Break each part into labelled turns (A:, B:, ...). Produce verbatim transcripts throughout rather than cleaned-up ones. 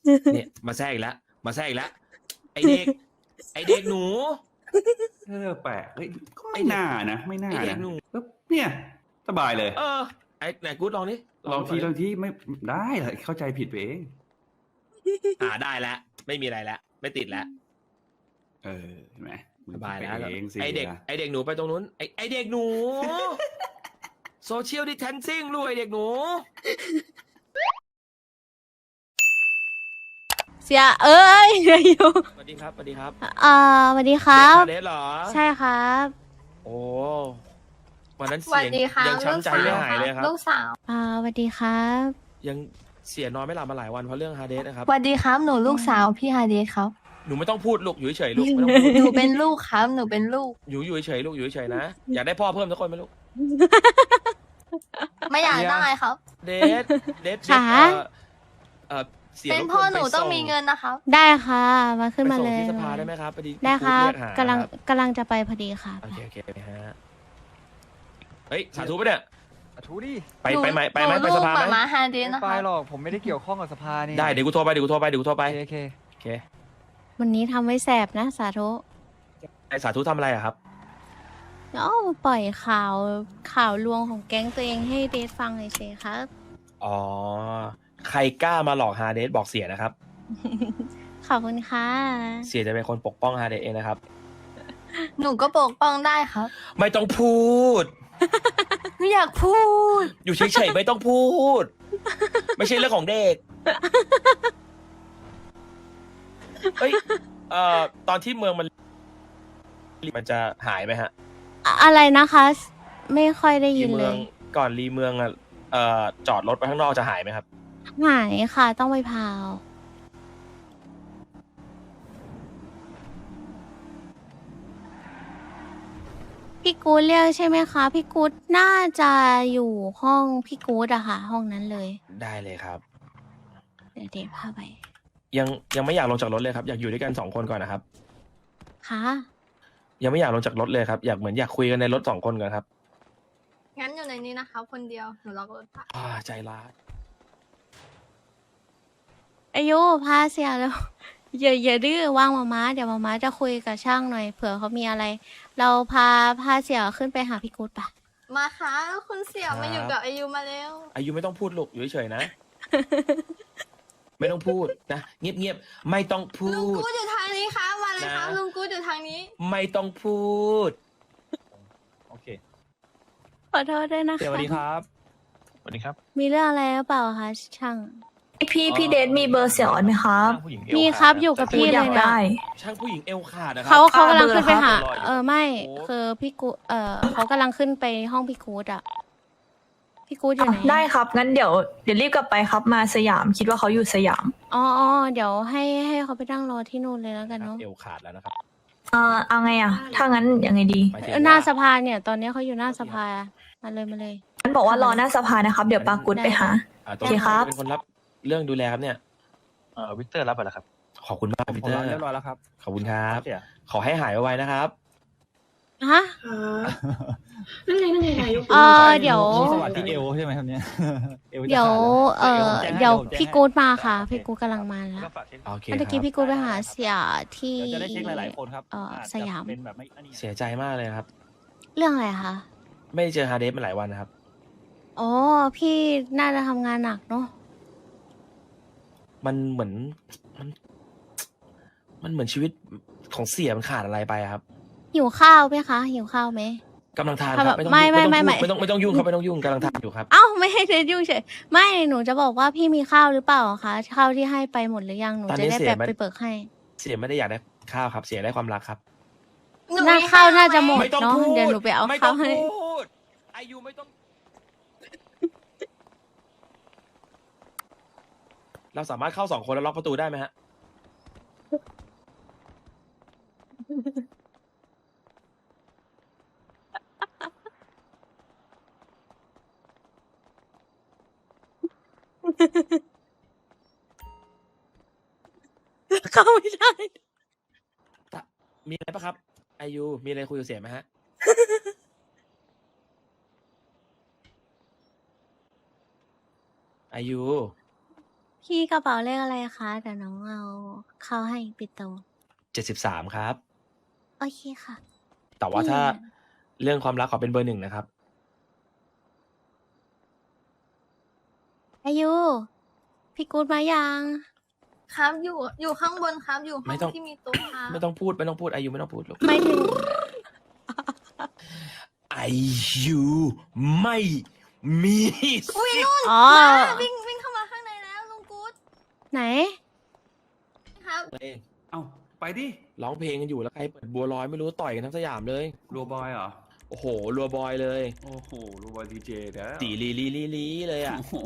A: เนี่ยมาแทรกอีกแล้วมาแทรกอีกแล้วไอเด็กไอเด็กหนู
B: เออแปลกเฮ้ยก็ไม่น่านะไม่น่า
A: ไอเด็
B: นะ
A: กหนู
B: ปึ๊บเนี่ยสบายเลย
A: เออไอไหนกูดลองดิ
B: ลองที
A: ก่
B: ล
A: น
B: อง
A: ดิ
B: ทีไม่ได้เลยเข้าใจผิดไปเอง
A: อ่าได้แล้วไม่มีอะไรแล้วไม่ติดแล้ว
B: เออเห็นไหมมึง
A: สบาย
B: คิด
A: แล้ว
B: ไปเองสิ
A: ไอเด็ก
B: ล่ะ
A: ไอเด็กหนูไปตรงนู้นไอไอเด็กหนูโซเชียลดิแทนซิ่งลูกไอเด็กหนู
C: เสียเอ้ยอยู่
A: สวัสดีครับสวัสดีครับ
C: อ่าสวัสดีครับ
A: เดทเหรอ
C: ใช่ครับ
A: โอ้วันนั้น
D: สวั
A: เสี
D: ส
A: ยง
D: ดีครับ
A: ยัง
D: ลูก
A: ช้ำใจ
D: สาว
A: ไม่หายเลยครับ
D: ลูกสาว
C: อ่าสวัสดีครับ
A: ยังเสียนอนไม่หลับมาหลายวันเพราะเรื่องฮาเดสนะครับ
D: สวัสดีครับหนูลูกสาวพี่ฮาเดสครับ
A: หนูไม่ต้องพูดลูกอยู่เฉยๆลูกไม่ต้องพูด
D: หนูเป็นลูกครับหนูเป็นลูก
A: อยู่อยู่เฉยๆลูกอยู่เฉยๆนะอยากได้พ่อเพิ่มสักคนไหมลูก
D: ไม่อยากได้ครับ
A: เดทเดท
C: ค่ะ
A: เอ่อเอ่อเสีย
D: เป็น
A: รบก
D: พ่อ
A: วน
D: หนู
A: ไป
D: ต้อง
A: ส่
D: มีเงินนะครับ
C: ได้ค่ะ มาขึ้น
A: ไป
C: มา
A: ส่ง
C: เลย
A: ที่สภาได้ไหมครับพอดี
C: ได้ครับ
A: พี่เรียหาก
C: ำลัง
A: ครับ
C: กำลังจะไปพอดีค่ะ
A: โอเคโอเคฮะเฮ้ยสาธุปะเนี่ย
E: อ่ะทูดิ
A: ไปไปไหมไปไหม
D: หนู
A: ไปสภา
D: ลูก
A: ไหม
D: หมาฮาเดส
E: ไม่
D: นะ
E: ไป
D: ครับ
E: หรอกผมไม่ได้เกี่ยวข้องกับสภานี่
A: ได้เดี๋ยวกูโทรไปเดี๋ยวกูโทรไปเดี๋ยวกูโทรไป
E: โอเคโอเค
A: โอเค
C: วันนี้ทำไว้แสบนะสาธุ
A: ไอสาธุทำอะไรอะครับ
C: เอ้าปล่อยข่าวข่าวลวงของแก๊งตัวเองให้เดทฟังเลยเฉยครับ
A: อ๋อใครกล้ามาหลอกฮาเดสบอกเสียนะครับ
C: ขอบคุณค่ะ
A: เสียจะเป็นคนปกป้องฮาเดสเองนะครับ
D: หนูก็ปกป้องได้ครับ
A: ไม่ต้องพูด
D: หนูอยากพูด
A: อยู่เฉยๆไม่ต้องพูด ไม่ใช่เรื่องของเด็กเฮ้ยเอ่อตอนที่เมืองมันมันจะหายไหมฮะ
C: อะอะไรนะคะ ไม่ค่อยได้ยิน
A: รี
C: เล
A: เมือง
C: ย
A: ก่อนรีเมืองอ่ะเอ่อจอดรถไปข้างนอกจะหายไหมครับ
C: หายค่ะ ต้องไปพาว พี่กูดเรียกใช่ไหมคะ พี่กูดน่าจะอยู่ห้องพี่กูดอะค่ะ ห้องนั้นเลย
A: ได้เลยครับ
C: เดี๋ยวเดทพาไป
A: ยังยังไม่อยากลงจากรถเลยครับ อยากอยู่ด้วยกันสองคนก่อนนะครับ
C: ค่ะ
A: ยังไม่อยากลงจากรถเลยครับอยากเหมือนอยากคุยกันในรถสองคนก่อนครับ
D: งั้นอยู่ในนี้นะครับคนเดียว หนูล็อกรถค่ะ
A: อ่าใจร้าย
C: อายุพาเสียแล้ว อย่าอย่าดื้อว่างมาม้าเดี๋ยวมาม้าจะคุยกับช่างหน่อยเผื่อเขามีอะไร เราพาพาเสียขึ้นไปหาพี่กูดปะ
D: มาค่ะคุณเสี่ยวมาอยู่กับอายุมาแล้ว
A: อายุไม่ต้องพูดลูกอยู่เฉยๆนะ ไม่ต้องพูดนะเงียบๆไม่ต้องพู
D: ลุง
A: ด
D: กูดอยู่ทางนี้ครับมาเลยครับ
A: นะ
D: ลุงกูดอยู่ทางนี้
A: ไม่ต้องพูด
E: โอเค
C: ขอโทษด้วยนะคะ
E: สวัสดีครับสวัสดีครับ
C: มีเรื่องอะไรหรือเปล่าคะช่าง
F: พี่พี่เดทมีเบอร์เสี่ยวอ่อนไหมครับ
E: ผู้หญิงเอว
C: มี
E: ขาด
C: ครับอยู่กับ
E: แต่
C: พี่
F: อ
C: เลย
F: ยาก
C: เนี่ย
F: ได้
A: ช่างผู้หญิงเอวขาดนะครั
C: เขาเขากำลัง
F: เบอร์
C: ขึ้นไปหา
A: ครับ
C: เออไม่
A: โอ้
C: คือพี่กูเออเขากำลังขึ้นไปห้องพี่กูดอะพี่กูดอยู่ไหน
F: ได้ครับ งั้นเดี๋ยวเดี๋ยวรีบกลับไปครับมาสยามคิดว่าเขาอยู่สยาม
C: อ๋ออ๋อเดี๋ยวให้ให้เขาไปนั่งรอที่นู่นเลยแล้วกันเนาะ
A: เอวขาดแล้วนะครับ
F: เอ่อเอาไงอ่ะ ถ้างั้นยังไงดี
A: หมายถึง
C: เออหน้า
A: ว่า
C: สภาเนี่ย ตอนนี้เขาอยู่หน้าสภามาเลยมาเลย
F: งั้นบอกว่ารอหน้าสภานะครับ เดี๋ยวปากุดไปหา
A: อ่าต
F: โอเคครับ
A: เป็นคนรับเรื่องดูแลครับเนี่ย
E: เอ่อวิกเตอร์รับไปแล้วครับ
A: ขอบคุณมากพี
E: ผม
A: เตอ
E: รับ
A: ร์
E: เรียบร้อยแล้วครับ
A: ขอบคุณครับ
E: เสีย
A: ขอให้หายไวๆนะครับ
C: ฮะ
G: นั่นไงนั่นไงนายก
C: เออเดี๋ยว
E: สวัสดีเอวใช่ไหมครับเนี่ยอจะ
C: เดี๋ยว
E: ขา
C: เอ
E: แล้ว
C: อ
E: ผมแจ้งให้
C: เดี๋ยว
E: ผมแจ้ง
C: พี่
E: ให้
C: กูดมาค่ะ
E: โอเ
C: พี่กูดกำลังมาแล้ว
E: ก็ฝากเช็ค
A: โอเค
C: เมื่อ
A: ค
C: กี้
A: รับ
C: พี่กูดไปหาเสียที่
E: เดี๋ยวจะได้เช็คหลาย ๆ คนครับ
C: เอ่อ
E: อาจจะ
C: สยาม
E: เป็นแบบไม่อันนี้
A: เสียใจมากเลยครับ
C: เรื่องอะไรคะ
A: ไม่ได้เจอฮาเดสมาหลายวันนะครับ
C: อ๋อพี่น่าจะทำงานหนักเนาะ
A: มันเหมือนมัน มันเหมือนชีวิตของเสียมันขาดอะไรไปอะครับ
C: หิวข้าวไหมคะหิวข้าวไหม
A: กำลังทาน
C: ค
A: ค
C: รั
A: รั
C: บบ
A: ไม่ต้อง
C: ไม่
A: ยุ่ง
C: ไม่ไม่
A: ไม่ต้องพูดไม่ต้องไม่ต้องยุ่งครับไม่ต้องยุ่งกำลังทานอยู่ครับ
C: เอ้าไม่ให้เดทยุ่งเฉยไม่หนูจะบอกว่าพี่มีข้าวหรือเปล่าคะข้าวที่ให้ไปหมดหรือยังหนู
A: ตอน
C: จะ
A: นี้
C: ได้
A: เสีย
C: แบบ
A: ไม่
C: ไปเบิกให้
A: เสียไม่ได้อยากได้ข้าวครับ เสียได้ความรักครับ
D: หนู
C: หน้า
D: มี
C: ข้าวน่าจะ
D: ไห
C: หมด
A: ไม่ต้อง
C: เนาะ
A: พูด
C: เดี๋ยวหนูไปเอา
A: ไม่ต้
C: ข้า
A: อ
C: ว
A: ง
C: ให้
A: พูดอายุไม่ต้อง เราสามารถเข้าสองคนแล้วล็อกประตูได้ไหมฮะ
C: เข้าไม่ได้
A: มีอะไรปะครับ อายุมีอะไรคุยกับเสียไหมฮะ อายุ
C: พี่กระเป๋าเลขอะไรคะเดี๋ยวน้องเอาเข้าให้ปิดโต
A: เจ็ดสิบสามครับ
C: โอเคค่ะ
A: แต่ว่าถ้า
C: พี่
A: เรื่องความรักขอเป็นเบอร์หนึ่งนะครับ
C: อายุ พี่กูดมายัง
D: ครับอยู่อยู่ข้างบนครับอยู่ห้
A: ไม่
D: อง
A: ต้อง
D: ที่มีโต๊ะครับ
A: ไม่ต้องพูดไม่ต้องพูดอายุไม่ต้องพูดลูก
C: ไม่ถึง
A: อายุไม่มีสิทธิ์
C: อ๋อ
D: วิ่งวิ่งเข้ามาข้างในแล้วลุงกู๊ด
C: ไหน
D: ครับ
A: เอง
B: เอ้าไปดิ
A: ร้องเพลงกันอยู่แล้วใครเปิดบัวลอยไม่รู้ต่อยกันทั้งสยามเลย
B: รัวบอยเหรอ
A: โอ้โหรัวบอยเลย
B: โอ้โหรัวบอยดีเจแล้ว
A: ตีลีลีลีลีเลยอ่ะ
B: โอ้โห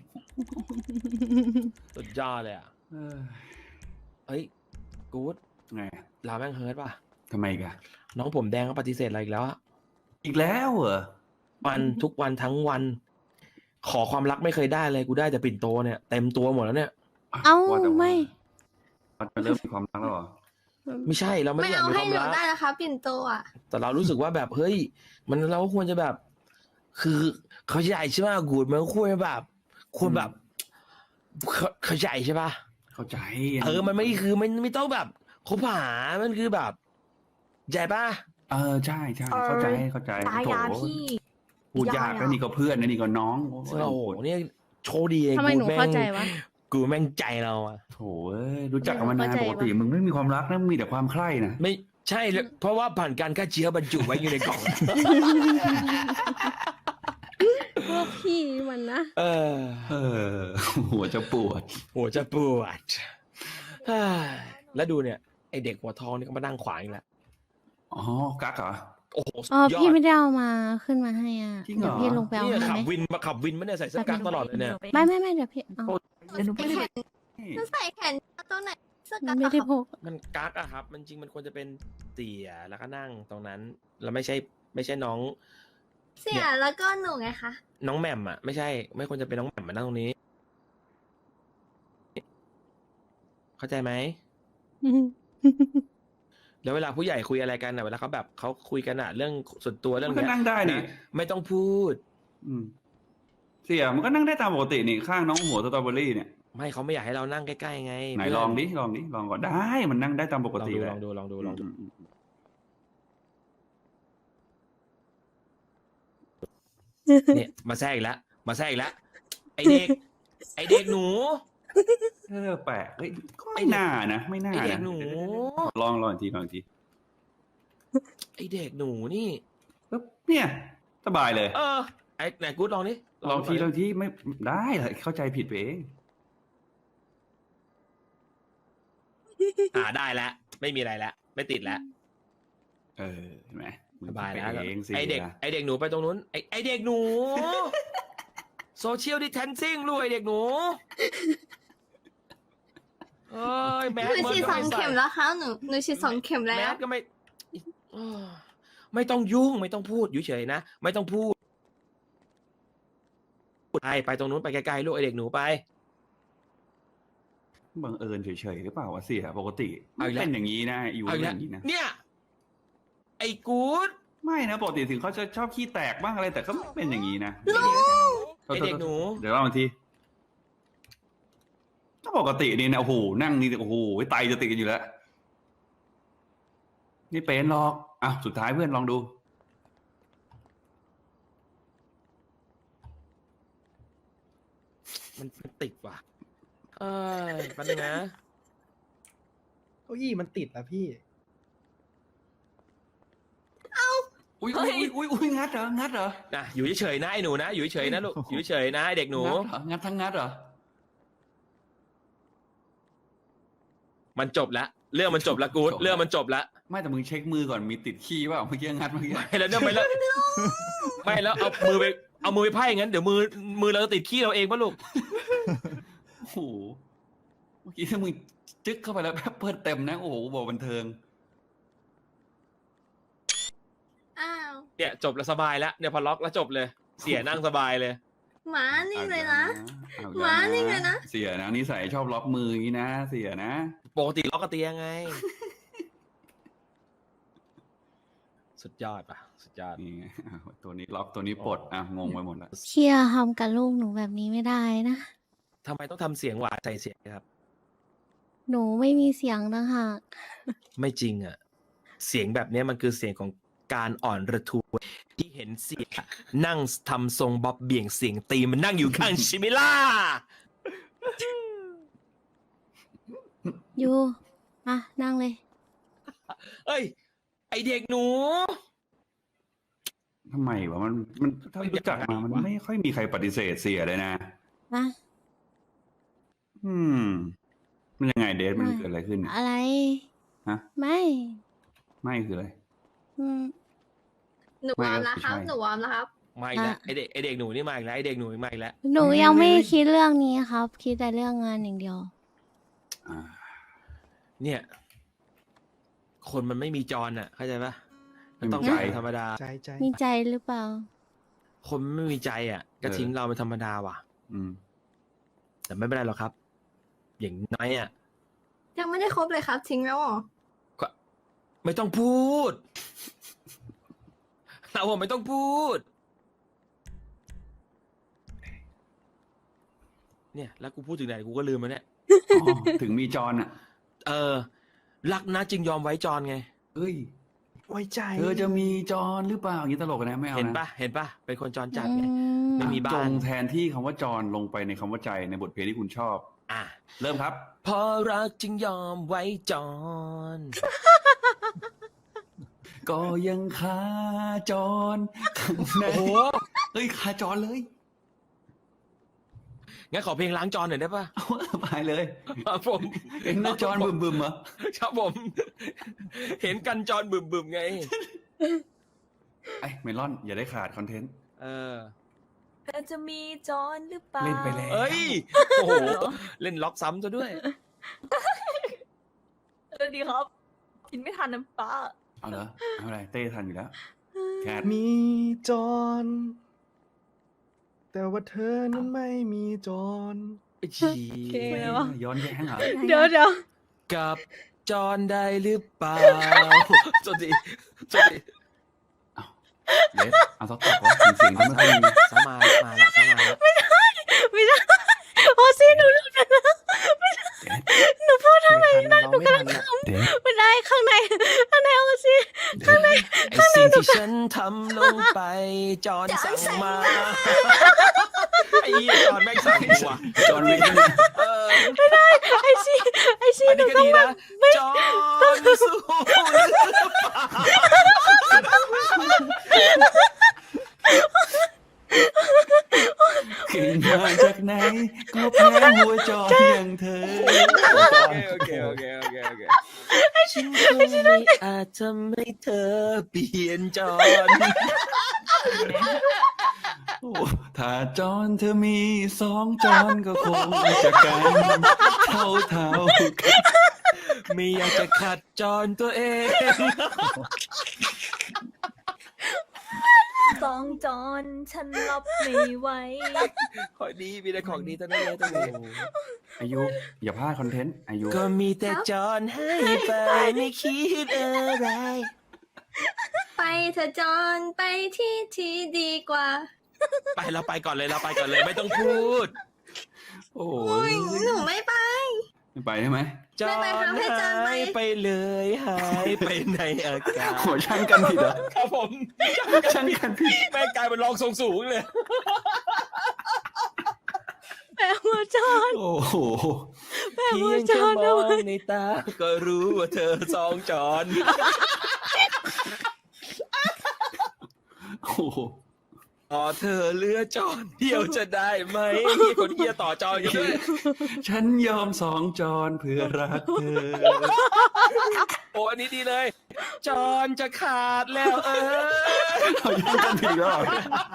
A: สุดยอดเลยอ่ะ
B: เออ
A: เฮ้ยกู๊ด
B: ไง
A: ลาแม่งเฮิร์ตป่ะ
B: ทำไมอีกัน
A: น้องผมแดงก็ปฏิเสธอะไรอีกแล้วอะ
B: อีกแล้วเหรอ
A: วันทุกวันทั้งวัน ขอความรักไม่เคยได้เลยกูได้แต่ปิ่นโตเนี่ยเต็มตัวหมดแล้วเนี่ย
C: เอ้า
B: ว่แต่ว่
C: ไม่
B: มันจะเริ่มมีความรักแล้วเหรอ
A: ไม่ใช่เราไม่
D: ไม่
A: ได้อยาก
D: เอา
A: มีค
D: ให้
A: วาม
D: หนู
A: รัก
D: ได้นะคะปิ่นโตอ่ะ
A: แต่เรารู้สึกว่าแบบเฮ้ย มันเราควรจะแบบ คือเขาใหญ่ใช่ไหมกูดมันควรจะแบบควรแบบเขาเขาใหญ่ใช่ปะ
B: เข้าใจ
A: เออมันไม่คือมันไม่ต้องแบบคบหามันคือแบบใหญ่ปะ
B: เออใช่ใช่เข้าใจเข้าใจ
F: ตายา
B: โถ
F: พี่
B: พูดยากแล้วนี่ก็เพื่อนนะนี่ก็น้องโอ้
A: โอ้โหเนี่ยโชคดีไอ้
C: ทำไมหนู
A: กูแม่ง
C: เข้าใจวะ
A: กูแม่งใจเราอะ
B: โถเอ้ยรู้จักกันมานาน
C: เข้าใจ
B: ปกติ
C: วะ
B: มึงไม่มีความรักนะมึงมีแต่ความใคร่นะ
A: ไม่ใช่เลยเพราะว่าผ่านการฆ่าเชื้อบรรจุไว้อยู่ในกล่อง
C: พวกพี่มันนะ
A: เออ
B: เออ หัวจะปวด
A: หัวจะปวดเฮ้ยแล้วดูเนี่ยไอเด็กหัวทองนี่ก็มานั่งขวางอีกแล้ว
B: อ๋อกักเหรอ
A: โอ้โหสุด
C: อ๋อย
A: อ
C: พี่
A: ด
C: ไม่ได้เอามาขึ้นมาให้อ่ะ
B: จริงเหรอ
C: เดี๋ยวพี่ลงไปเอา
A: นี่
C: ให้
A: ขับ
C: ไหม
A: วินมาขับวินมาเนี่ยใส่เสื้อกั๊กตลอดเลยเนี่ย
C: ไม่ไม่ไม่เดี๋ยวพี่เอา
F: เดี๋ยวหนูไป
D: ใส่แขนจะใส่แขนตัวไหนเสื้อ
C: มั
D: กัน น
C: ไม่ได้พก
A: มันกั๊กอะครับ มันจริงมันควรจะเป็นเตี่ยแล้วก็นั่งตรงนั้นแล้วไม่ใช่ไม่ใช่น้อง
D: เสียแล้วก็หนูไงคะ
A: น้องแหม่มอะไม่ใช่ ไม่ควรจะเป็นน้องแหม่มมานั่งตรงนี้ เข้าใจไหมแล้วเวลาผู้ใหญ่คุยอะไรกันอะเวลาเขาแบบเขาคุยกันอะเรื่องส่วนตัวเรื่อง
B: มันก็
A: เนี้ย
B: นั่งได้นี่
A: ะไม่ต้องพูด
B: อืมเสียมันก็นั่งได้ตามปกตินี่ข้างน้องหัวสตรอเบอรี่เนี่ย
A: ไม่เขาไม่อยากให้เรานั่งใกล้ๆไง
B: ไหน
A: เพื่
B: ลองดิลองดิลองก่อนได้มันนั่งได้ตามปก
A: ลอง
B: ติ
A: ดู
B: แห
A: ล
B: ละ
A: องดูลองดูลองดู
B: มม
A: เนี่ยมาแทรกอีกแล้วมาแทรกอีกแล้วไอเด็ก ไอเด็กหนู
B: เออแปลกเฮ้ยก็ไม่น่านะไม่น่า
A: ไอเด็ก
B: นะ
A: หนู
B: ลองลองอีกทีลองอีกที
A: ไอเด็กหนูนี่
B: ปึ๊บเนี่ย สบายเลย
A: เออไอไหนกูดลองดิ
B: ลองที
A: ก่
B: ล
A: น
B: องทีไม่ได้เลยเข้าใจผิดไปเอง
A: อ่าได้แล้วไม่มีอะไรแล้วไม่ติดแล้ว
B: เออเห็นไหมมึง
A: สบาย
B: คิด
A: แล้ว
B: ไปเองสิ
A: ไอเด็กไอเด็กหนูไปตรงนู้นไอไอเด็กหนูโซเชียลดิแทนซิ่งลูกไอเด็กหนูเอ้ยแม
D: ห
A: ส
D: นู
A: เบิร์
D: ฉี
A: ด
D: ด
A: ก็
D: สอง
A: ไม่ใส่
D: เข็มแล้วครับหนูหนูฉีดสองเข็ม
A: แม
D: แล้ว
A: สก็ไม่เออไม่ต้องยุ่งไม่ต้องพูดอยู่เฉยนะไม่ต้องพูดไปไปตรงนู้นไปไกลๆลูกไอเด็กหนูไป
B: บังเอิญเฉยๆหรือเปล่าวะเสียปกติ
A: เอาอีกแล้ว
B: เป็นอย่างนี้นะอยู่
A: เอา
B: เป็
A: อีก
B: น
A: แล้ว
B: อย่างนี้นะ
A: เนี่ย ไอ้กู๊ด
B: ไม่นะปกติถึงเขาจะชอบขี้แตกบ้างอะไรแต่ก็ไม่เป็นอย่างนี้นะ
A: ไอ้เด็กหนู
B: เดี๋ยวเล่าอีกทีถ้าปกตินี่นะโอ้โหนั่งนี่โอ้โหไตจะติดกันอยู่แล้วนี่เป็นหรอกอ่ะสุดท้ายเพื่อนลองดู
A: มันมันติดว่ะเอ้ยแปันงนะ
H: เก้าอี้มันติดอะพี่
B: อุ้ยอุ้ยอุ้ยอุ้ยอุ้ยงัดเหรองัดเหรอ
A: นะอยู่เฉยๆนะไอ้หนูนะอยู่เฉยๆนะลูกอยู่เฉยๆนะไอ้เด็กหนู
B: งัดเหรองัดทั้งงัดเหรอ
A: มันจบแล้วเรื่องมันจบแล้วกู๊ด
B: จบแล้ว
A: เรื่องมันจบแล้ว
B: ไม่แต่มึงเช็คมือก่อนมีติดขี้เปล่าเมื่อกี้งัดเมื่อกี้
A: ไม่แล้วเนี่ยไม่แล้วไม่แล้วเอามือไปเอามือไปไพ่งั้นเดี๋ยวมือมือเราจะติดขี้เราเองป่ะลูก
B: โอ้โหเมื่อกี้ถ้ามึงจึ๊กเข้าไปแล้วแป๊บเปิดเต็มนะโอ้โหบอกบันเทิง
D: อ้าว
A: เนี่ยจบแล้วสบายแล้วเนี่ยพอล็อกแล้วจบเลย เสียนั่งสบายเลย
D: หมานี่เลยนะ
B: เอ
D: หมานี่เลยนะ
B: เสียนะนิสัยชอบล็อกมืออย่างนี้นะ เสียนะ
A: ปกติล็อกกระเตียงไง สุดยอดป่ะสุดยอด
B: นี่ไงอ้าวตัวนี้ล็อกตัวนี้ปลดอ่ะงงไปหมดแล้ว
C: เชียร์ทำกับลูกหนูแบบนี้ไม่ได้นะ
A: ทำไมต้องทำเสียงหวานใส่เสียงครับ
C: หนูไม่มีเสียงต่างหาก
A: ไม่จริงอ่ะ เสียงแบบเนี้ยมันคือเสียงของการอ่อนระทวยที่เห็นเสียนั่งทำทรงบ๊อบเบี่ยงเสียงตีมันนั่งอยู่ข้าง ชิมิล่า
C: อยู่อ่ะนั่งเลย
A: เอ้ย ไอเด็กหนู
B: ทำไมวะมันมันถ้ารู้จักมามันไม่ค่อยมีใครปฏิเสธเสียเลยนะ
C: นะ
B: อืม มันยังไงเดทมัน
C: ไม่
B: เกิดอะไรขึ้น
C: อะไร
B: ฮะ
C: ไม่
B: ไม่คืออะไร
C: อืม
D: หนูวอร์มแล้วครับ
B: ไม่
D: หนูวอร์มแล้วครับ
A: มาอีกแล้ว
C: อ่ะ
A: ไอเด็กไอเด็กหนูนี่มาอีกแล้วไอเด็กหนูนี่มาอีกแล้ว
C: หนูยังไม่คิดเรื่องนี้ครับ คิดแต่เรื่องงานอย่างเดียว
B: อ่า
A: เนี่ย คนมันไม่มีจรอ่ะ เข้าใจปะมันต้อง
B: ไม่มีใจ
A: เป็นธรรมดา
H: ใจใจ
C: มีใจหรือเปล่า
A: คนมันไม่มีใจอ่ะ ก็
B: เออ
A: ทิ้งเราเป็นธรรมดาว่ะ
B: อืม
A: แต่ไม่เป็นไรหรอกครับ อย่างน้อยอ่ะ
D: ยังไม่ได้ครบเลยครับ ทิ้งแล้วเหรอ
A: ไม่ต้องพูด เราอะไม่ต้องพูด เนี่ย แล้วกูพูดถึงไหนกูก็ลืมแล้วเนี่ย
B: อ๋อ ถึงมีจรอ่ะ
A: เออ รักนะจึงยอมไว้จรไง
B: เฮ้ย
H: ไว้ใจ
B: เธอจะมีจรหรือเปล่าอย่างนี้ตลกนะไม่เอานะ
A: เห็นปะเห็นปะเป็นคนจรจัดไง
C: อืม
A: ไม่มีบ้าน
B: จงแทนที่คำว่าจรลงไปในคำว่าใจในบทเพลงที่คุณชอบ
A: อ่ะ
B: เริ่มครับ
A: เพอรักจึงยอมไว้จร
B: ก็ยังคาจรข้างใน
A: โอ้โห
B: เฮ้ยคาจรเลย
A: งั้นขอเพลงล้างจรหน่อยได้ปะ
B: เอาไปเลย
A: ครับผม
B: เห็นหน้าจรบึมบึมๆเหรอ
A: ครับผม เห็นกันจรบึมบึมๆไง
B: ไอ้เมลอนอย่าได้ขาดคอนเทนต์
A: เออ
F: เธอจะมีจอนหรือเปล่า
B: เล่นไปแล้ว
A: เอ้ย โอ้โห เล่นล็อกซ้ำซะด้วย
F: เออดีครับ กินไม่ทันน้ำปลา
B: เอาเหรอเอาอะไรเต้ทันอยู่แล้วแคท
H: มีจร แต่ว่าเธอนั้นไม่มีจร
A: ไอ้ชี
C: เก่งเลยวะ
B: ย้อนแย้งเหรอ
C: เดี๋ยวเดี๋ยว
A: กับจรได้หรือเปล่าสวัสดีสวัสดี
B: เดทเอาสักตอบว่าเสียงเขาไม่ค่อยมี
A: สมามาละสมาละ
C: ไม่ได้โอซี่หนูหลุดไปแล้วหนูพูดทำไม
H: ไม่ทันเราไม่ทันอะ
B: เดท
C: ไม่ได้ข้างในข้างในโอซี่
A: ไอ้สิ่งที่ฉันทำลงไป จรสั่งมา ไอ้เหี้ยจรแม่งสั่งว่ะ
B: จอนวิกเนี่ย
A: เออ
C: ไอซีไอซี
A: อัน
C: หนู
A: นี้ก็
C: ต้อง
A: ดี
C: แบ
A: นะ
C: บ
A: จรสู้หรือเปล่า
B: ขึ้นมาจากไหน ก็แพ้หัวจอนอย่างเธอ
A: โอเคโอเคโอเคโอเคฉันคงไม่อาจทำให้เธอเปลี่ยนจร
B: โอ้ถ้าจอนเธอมีสองจอนก็คงจะกันเท่าเท่าๆกัน
A: ไม่อยากจะขัดจรตัวเอง
F: สองจอนฉันรับไม่ไหว
A: ขอดีมีแต่ของดีทั้งนั้นเลยตรงนี้
B: อายุอย่าพลาดคอนเทนต์อายุ
A: ก็มีแต่จรให้ไปไม่คิดอะไร
D: ไปเธอะจอนไปที่ที่ดีกว่า
A: ไปเราไปก่อนเลยเราไปก่อนเลยไม่ต้องพูด
B: โอ้
D: อุ้
B: ย
D: ยหนูไม่ไป
B: ไม่ไปได้ไหม
A: จ
D: ไม่
A: ร
D: ไปครับให้จรไป
A: หายไปเลยหายไปในอากาศ
B: หัวช่างกันผิดเหรอ
A: ครับผม
B: ช่างกันผิด
A: แม่งกลายเป็นรองทรงสูงเลย
C: แปลว่าจอน
B: โอ้โห
C: แปล
A: เพี
C: ว่าย
A: ง
C: จ
A: แค่
C: อน
A: ม
C: เอา
A: อง
C: ไว้
A: ในตา ก็รู้ว่าเธอสองจร
B: โอ้โห
A: ต่อเธอเลือจรเดียวจะได้ไหมมีคนเฮียต่อจรอยู่เลย
B: ฉันยอมสองจอนเพื่อรักเธอ
A: โอ้อันนี้ดีเลย จรจะขาดแล้วเออ
B: เราช่างกันผิดแล้วเหรอ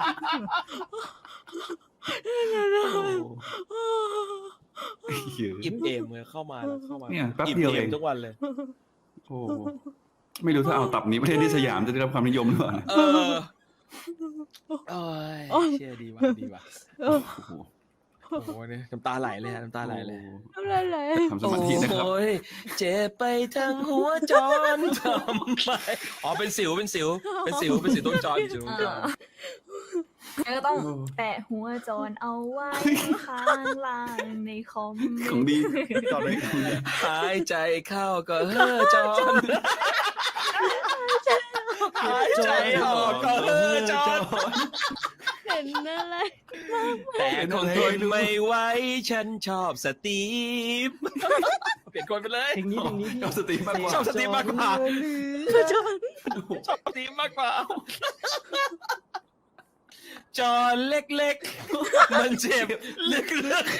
B: โอ้โห
A: อิ่มเอมเลยเข้ามาแล้วเข้ามา
B: เนี่ยแป๊บเดียวเอง
A: มทุกวันเลย
B: โอ้โหไม่รู้ถ้าเอาตับนี้ประเทศที่สยามจะได้รับความนิยมหรือเปล่านะ
A: เออโอ้ยเชื่อดีว่ะดีว่ะ
B: โอ้โห
A: โอ้โหเนี่ยน้ำตาไหลเลยฮะน้ำตาไหลเลย
C: ทำไรเลย
B: ทำสมาธินะครับ
A: โอ้ยเจ็บไปทั้งหัวจรทำไมอ๋อเป็นสิวเป็นสิว เป็นสิวเป็นสิวต้นจรสิวต้นจร
F: แล้วก็ต้องแปะหัวจอนเอาไว้ข้างล่างในคอม
B: ของดี
H: ตอนนี้
A: หายใจเข้าก็เฮ้อจอนหายใจออกก็เฮ้อจอน
C: เห็นอะไร
A: แต่คงทนไม่ไหวฉันชอบสตีฟเปลี่ยนคนไปเลย
H: เพลงนี้เพลงนี้พี่
B: ชอบสตรีมมากกว่า
A: ชอบสตีฟมากกว่า
C: จอน
A: ชอบสตีฟมากกว่าจอนเล็กๆมันเจ็บลึก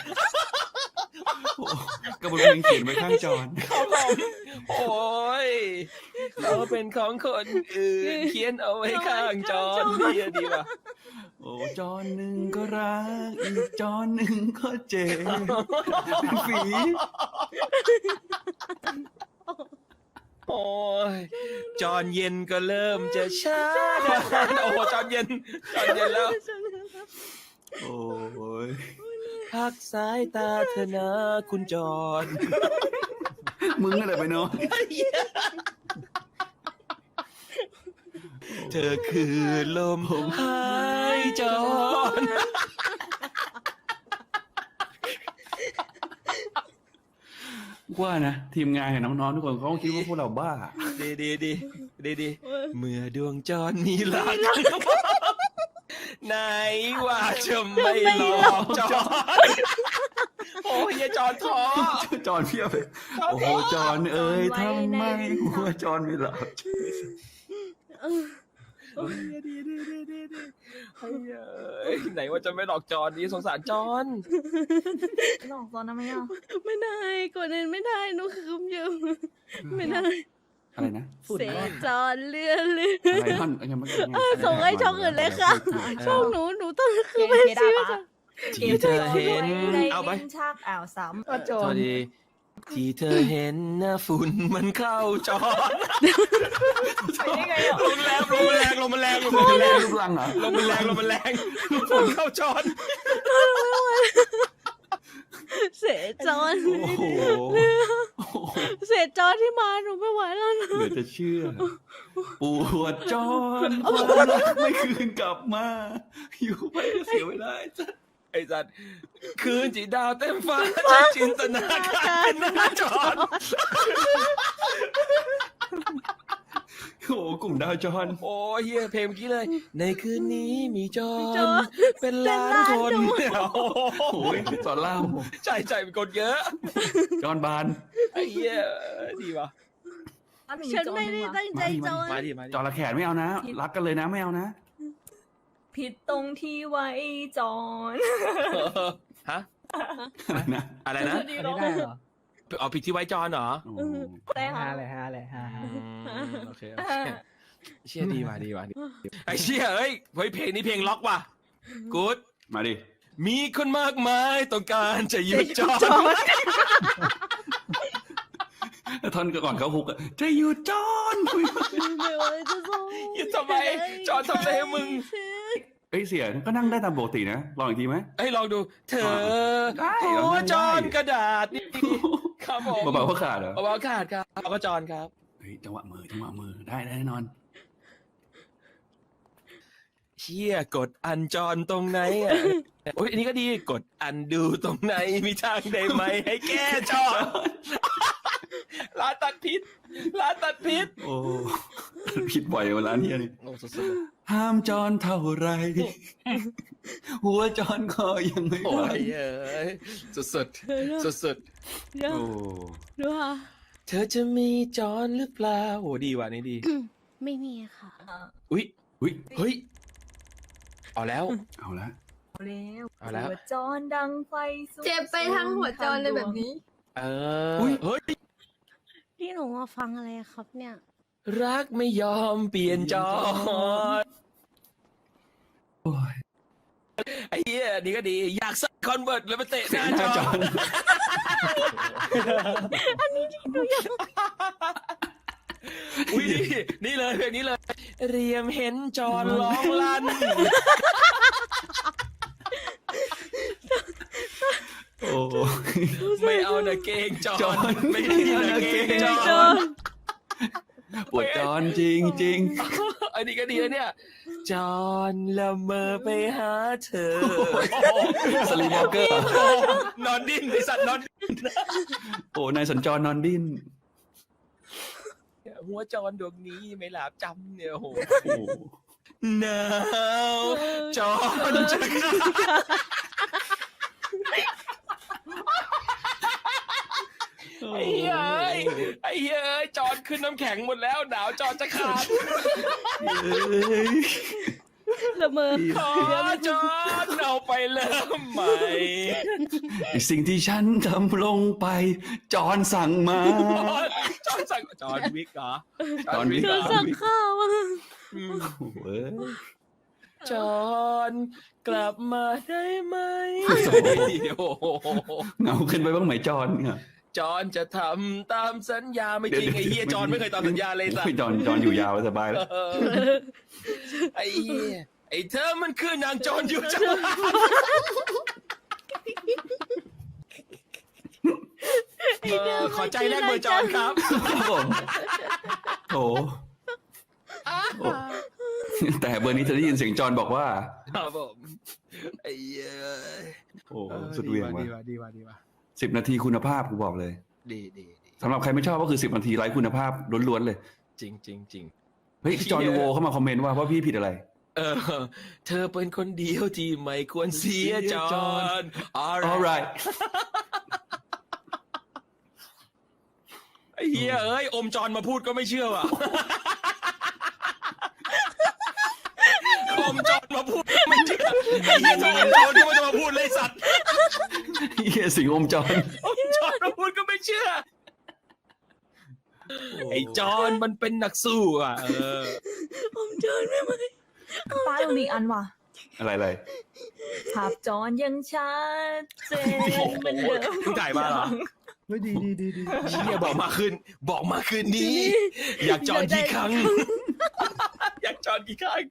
B: กระบวนเพลงเขียนไว้ข้างจอน
A: ๆครับผมโอ้ยเราเป็นของคนอื่นเขียนเอาไว้ข้างจอนดีอะดีว่ะ
B: โอ้จอนหนึ่งก็รักอีกจอนหนึ่งก็เจ็บเป็นฝี
A: โอ้ยจอนเย็นก็เริ่มจะช้าโอ้โหจอนเย็นจอนเย็นแล้ว
B: โอ้ย
A: พักสายตาเธอนะคุณจอน
B: มึงอะไรไปเนาะ
A: เธอคือลมหายจอน
B: ว่านะทีมงานกับน้องๆทุกคนเขาคงคิดว่าพวกเราบ้า
A: ดีดีดีดีดีเมื่อดวงจรมีรัก ไหนว่าจะไม่หลอกจอนโอ้ยอย่าจอนท้อ
B: จอนเพียบเลยโอ้โหจอนเอ้ยทำไมหัวจอนไม่หลับ
A: โอ้ยดีดีดีดีดีเฮ้ยเอ้ยไหนว่าจะไม่หลอกจอนดีสงสารจอน
F: หลอกตอนนั้นไหมอ่ะ
C: ไม่ได้กดเองไม่ได้หนูคืมอยู่ไม่ได้
B: อะไรนะ
C: เสจอนเลื่อนเลื่อน
B: อะไรท่อนยังไม่
C: ส่งให้ช่องอื่นเลยค่ะ ช่องหนูหนูต้องคือ
F: เก
C: ไม่
F: มได้
C: ซื้อ
F: ปะ
C: ค่ะ
A: ที่เธอเห็นเอาไป
F: ชักอ่าวซ้ำ
H: อ่ะจอ
A: สวัน สดีที่เธอเห็นนะฝุ่นมันเข้าจอน
F: ไปได้ไงอ่ะ
A: ลมแรงลมแรงลมแรงลมแรง
B: ลูกลังเหรอ
A: ลมมันแรงลมมันแรงฝุ่นเข้าจอน
C: เสจอน
B: โอ้โห
C: เสจอนที่มาหนูไม่ไหวแล้วนะ
B: เหลือจะเชื่อ ปวดจอนความรักไม่คืนกลับมา อยู่ไปก็เสียเวลาจ้ะ
A: ไอ้สัตว์คืนจีดาวเต็มฟ้าจะจินตนาการเป็นหน้าจอน
B: โอ้โหกลุ่มดาวจอน
A: โอ้ยเฮียเพลงเมื่อกี้เลย ในคืนนี้มีจอ
C: จอน น
A: เป็นล้านคน
C: เป็นล้าน
A: โอ้โห
B: โอ้ยสอนล่าม
A: ใจใจเป็นคนเยอะ
B: จอนบาน
A: ไอ้เหี้ยดีว่ะ
C: ฉันไม่ได้ตั้งใจจอน
A: มาดิมาดิ
B: จอละแขนไม่เอานะ รักกันเลยนะไม่เอานะ
F: ผิดตรงที่ไว้จอน
A: เออฮะ
B: อะไรนะ
A: อะไรนะ
H: อันนี้ได้เหรอ
A: เอาผิดที่ไว้จอนเหรอ
B: โอ้โห
F: ได้
H: ฮา
F: ค่ะ
H: เลยฮาเลยฮา
A: อืมโอเคโอเคเชี่ยดีว่ะดีว่ะดีไอ้เชี่ยเอ้ยเฮ้ยเพลงนี้เพลงล็อกว่ะกู๊ด
B: มาดิ
A: มีคนมากมายต้องการจะหยุดจอน
B: ท่อนก่อนเขาฮุกอะจะอยู่จอน
C: ไม่ไหวจะส่ง
A: หยุดทำไมจอนทำอะไรให้มึง
B: เอ้ยเสียก็นั่งได้ตามปกตินะลองอีกทีไหม
A: เอ้ยลองดู เธอ
B: ได้
A: โอ้
B: เหรอได้
A: จอนกระดาษนี่ครับผม
B: เบาๆก็ขาดเหรอ
A: เบาๆขาดครับเอาก็จอนครับ
B: เฮ้ยจังหวะมือจังหวะมือได้ได้แน่นอน
A: เชี่ยกดอันจอนตรงไหนอ่ะโอ้ยอันนี้ก็ดีกดอันดูตรงไหนมีทางได้ไหมให้แก้จอนร้านตัดพิษร้านตัดพิษ
B: โอ้ผิดบ่อยเวลานี้นี่
A: โอ้สุด
B: ห้ามจอนเท่าไร หัวจอนก็ยังไม่
A: ๆโอ้
B: ไหวย
A: เอ้ยสุดสุดสุดสุด
C: เดี๋ยว
B: โอ้
C: ดูค่ะ
A: ๆเธอจะมีจอนหรือเปล่าโอ้ดีว่ะนี่ดี
C: ไม่มีค่ะ
A: อุ้ย
B: อุ้ย
A: เฮ้ยเอาแล้ว
B: เอาละ
F: เอาแล้ว
A: เอาแล้ว
F: หัวจอนดังไฟสุด
D: เจ็บไปทั้งหัวจรเลยแบบนี้
A: เออเฮ้ย
C: พี่หนูมาฟังอะไรครับเนี่ย
A: รักไม่ยอมเปลี่ยนจอน
B: โอ้ย
A: ไอ้เหี้ยนี่ก็ดีอยากสักคอนเวิร์ตแล้วมาเตะหน้า
B: ห
A: จ
B: น้า
A: อ
B: จอน
A: อุ้ยนี่นี่เลยเพลงนี้เลย เรียมเห็นจอนร้องลั่น
B: โอ้
A: ไม่เอานะเกงจอ
B: จอน น
A: ไม่ได้นะเกงจ
C: จ
A: อ
C: อน น
B: ปวดจอนจริงจริง
A: อันนี้ก็ดีนะเนี่ย จอนละเมอไปหาเธอ
B: สลีวอลเกอร์
A: นอนดิ้นไอสัตว์นอนดิ้น
B: โอ้นายสัญจรนอนดิ้น
A: หัวจอนดวงนี้ไม่หลาบจำเนี่ยโอ้โห
B: โอ้โห
A: หนาวจอนจะไอ้เหี้ยเอ้ยไอ้เหี้ยเอ้ยจอนขึ้นน้ำแข็งหมดแล้วหนาวจอนจะขาด
C: ละเมอ
A: ขอจอนเอาไปเริ่มใหม่
B: สิ่งที่ฉันทำลงไป จอนสั่งมา
A: จอนสั่งจอนวิกเหรอ
B: จอนวิก
C: เธอสั่งข้าวอะ
A: อืม
B: โอ้โหเอ้ย
A: จอนกลับมาได้ไหมโอ้โห
B: เหงาขึ้นไปบ้างไหมจอนเนี่ย
A: จอนจะทำตามสัญญาไม่จริงไอ้เหี้ยจอนไม่เคยตามสัญญาเลยสัต
B: โอ้
A: ว์
B: จอนจอนอยู่ยาวสบายแล้ว
A: เออไอ้เหี้ยไอ้เธอมันคือนางจอนอยู่จังหวัดเออขอใจแรกเบอร์จอนครับ
B: ครับผมโถโอ้แต่เบอร์นี้เธอได้ยินเสียงจอนบอกว่า
A: ครับผมไอ้เหี้ย
B: โอ้สุดเหวียงว่ะ
A: ดีว่ะดีว่ะดีว่ะ
B: สิบนาทีคุณภาพกูบอกเลย
A: ดีดีดี
B: สำหรับใครไม่ชอบก็คือสิบนาทีไร้คุณภาพล้วนๆเลย
A: จริงจริงจริง
B: เฮ้ยจอห์นโวเข้ามาคอมเมนต์ว่าว่าพี่ผิดอะไร
A: เออ เธอเป็นคนเดียวที่ไม่ควรเสียจอน
B: alright
A: ไอ้เหี้ยเอ้ยอมจอนมาพูดก็ไม่เชื่อว่ะอมจอนมาพูดก็ไม่เชื่อไอ้เหี้ยจอนจอนที่มันจะมาพูดเลยสัตว์
B: เฮียสิงอมจอน
A: อมจอนมาพูดก็ไม่เชื่อไอ้จอนมันเป็นนักสู้อ่ะเออ
C: ผมจอนไม่ไหว
F: ป้าต้องมีอันว่ะ
B: อะไรอะไร
F: ภาพจอนยังชัดเจนเหมือนเดิม
A: มึงถ่ายมาเหรอ
H: เฮ้ยดีดีดีดี
A: เชี่ยบอกมาคืนบอกมาคืนนี้ อยากจอนกี่ครั้ง อยากจอนกี่ครั้ง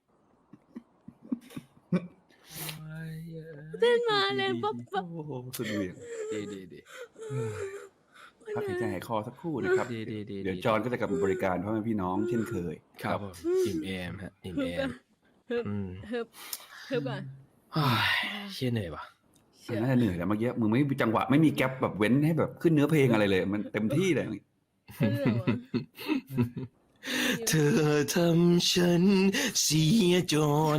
C: เต้นมาเลยปั๊บปั๊บ
B: โอ้โหสุดเหวียง
A: ดีดีดี
B: พักหายใจหายคอสักครู่นะครับ
A: ดีดีดี
B: เดี๋ยวจอนก็จะกลับมาบริการพ่อแม่พี่น้องเช่นเคย
A: ครับผมอิ่มเอมฮะอิ่มเอม
C: ฮึบ
A: อืม
C: ฮึบฮึบอ่ะ
A: เฮ้ยเชี่ยเหนื่อยว่ะ
B: มันน่าจะเหนื่อยแต่เมื่อกี้มึงไม่มีจังหวะไม่มีแก๊ปแบบเว้นให้แบบขึ้นเนื้อเพลงอะไรเลย มันเต็มที่เลย
C: ฮึบเหรอวะ
A: เธอทำฉันเสียจน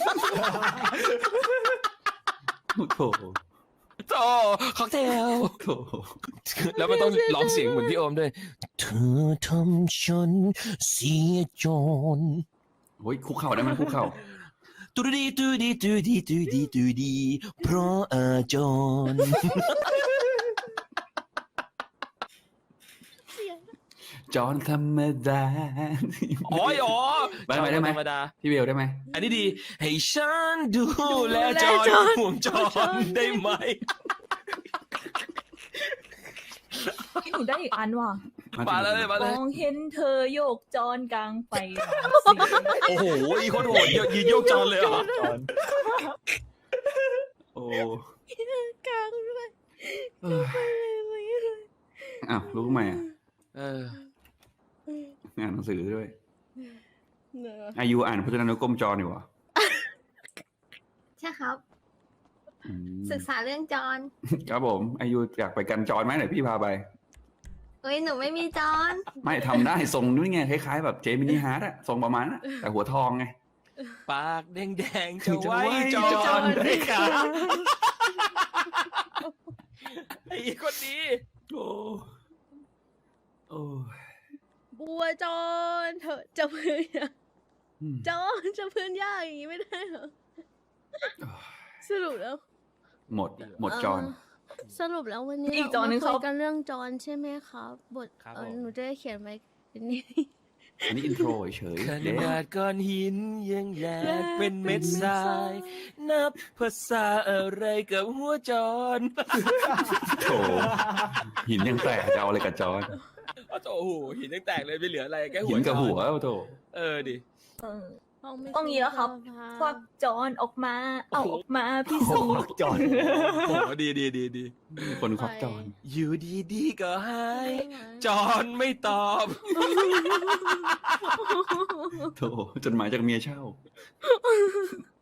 B: โอ้โถ
A: โตค็อกเทล
B: โถ
A: แล้วมันต้องร้องเสียงเหมือนพี่โอมด้วย เธอทำฉันเสียจน
B: โอ้ยคุกเข่าได้ไหมคุกเข่า
A: ตูดีตูดีตูดีตูดีตูดีเพราะอาจร
B: จอนธรรมดา
A: อ๋ออ๋อ
B: ได้ไหมได้ไหม
A: ธรรมดา
B: พี่เบลได้ไหม
A: อันนี้ดี ให้ฉันดูแลจอนห่วงจอนได้ไหม
F: พี่หนูได้อีกอันว่ะ
A: มาเลยมาเลย
F: มองเห็นเธอโยกจอนกลางไฟ
A: โอ้โหอีโคตรโหดเยอะยืนโยกจอนเลยเหรอ
B: โอ้
C: กลางด้วย
B: เอออ้าวรู้ไหมอ่ะ
A: เออ
B: อ่านหนังสือด้วย
C: เหนื่อย
B: อายุอ่านพจนานุกรมจอนอยู่เหรอ
D: ใช่ครับ
B: อืม
D: ศึกษาเรื่องจอน
B: ครับผมอายุอยากไปกันจอนไหมเดี๋ยวพี่พาไป
D: เฮ้ยหนูไม่มีจอน
B: ไม่ทำได้ทรงนู้นไงคล้ายๆแบบเจมินิฮาร์ดอะทรงประมาณนั้นอะแต่หัวทองไง
A: ปากแดงๆจะไว้จ
B: จะไว้จ
A: อ
B: อน น
A: ได้ครับไอ้คนนี้
B: โอ้โอ้
C: บัวจอนเถอะจะพื้นยาก
B: อืม
C: จอนจะพื้นยากอย่างนี้ไม่ได้เหรอสรุปแล้ว
B: หมดหมดจอน
C: เสรุปแล้ววันนี้
F: อีกจอนหนึ่ง
C: เรา
F: เขา
C: มาคุยกันเรื่องจอนใช่ไหมครับบท
A: ครับ
C: เออ
A: ผม
C: หนูจะได้เขียนไว้เป็นนี้
B: อันนี้อินโทรเฉย
A: ข
B: ๆเดี๋ยว
A: นาดก้อนหินยังแหลกเป็นเม็ดทราย นับภาษาอะไรกับหัวจอน
B: โถหินยังแตกจะเอาอะไรกับจอน
A: โอ้โหหินยังแตกเลยไม่เหลืออะไรแค่หั
B: หิ
A: วน
B: กับ
A: จอน
B: หัวโถ
A: เออดิ
F: เออต้องนี้แล้วครับ ควักจอนออกมา เอาออกมาพิสูจน์
E: จอด
A: โอ้โหดีดีดีดี
B: มีคนควักจอน
A: อยู่ดีดีๆก็หายจอนไม่ตอบ
B: โถจดหมายจากเมียเช่า